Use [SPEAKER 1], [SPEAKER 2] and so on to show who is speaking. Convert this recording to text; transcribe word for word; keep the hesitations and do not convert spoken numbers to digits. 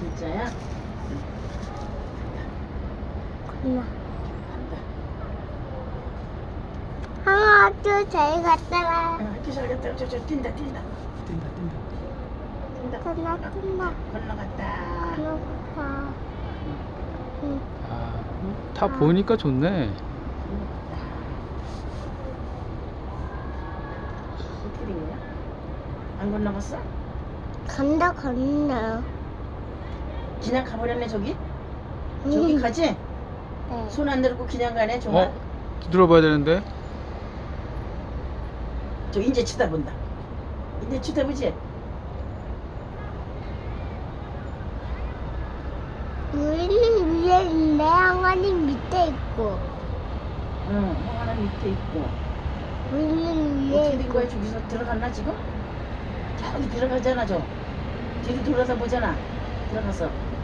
[SPEAKER 1] 진짜야?
[SPEAKER 2] 엄마.
[SPEAKER 1] 간다.
[SPEAKER 2] 아, 학교 잘 갔다가.
[SPEAKER 1] 어, 학교 잘 갔다. 저, 저, 뛴다, 뛴다. 뛴다, 뛴다. 뛴다.
[SPEAKER 2] 끝나, 끝나.
[SPEAKER 1] 건너갔다.
[SPEAKER 2] 그렇다. 응.
[SPEAKER 3] 아, 다 보니까 좋네.
[SPEAKER 1] 건너갔다. 어떻게 된 거야? 안 건너갔어?
[SPEAKER 2] 간다, 건너.
[SPEAKER 1] 그냥 가버렸네, 저기? 저기
[SPEAKER 2] 응.
[SPEAKER 1] 가지?
[SPEAKER 2] 네.
[SPEAKER 1] 손 안 들고 그냥 가네, 정말.
[SPEAKER 3] 어? 뒤돌아봐야 되는데.
[SPEAKER 1] 저 이제 쳐다본다. 이제 쳐다보지?
[SPEAKER 2] 우리는 위에 있는데 항아리 밑에 있고.
[SPEAKER 1] 응, 뭐 하나 밑에 있고.
[SPEAKER 2] 우리는 위에
[SPEAKER 1] 어떻게 된
[SPEAKER 2] 있고.
[SPEAKER 1] 거야? 저기서 들어갔나 지금? 저기 들어가잖아, 저. 뒤로 돌아서 보잖아. 들어갔어.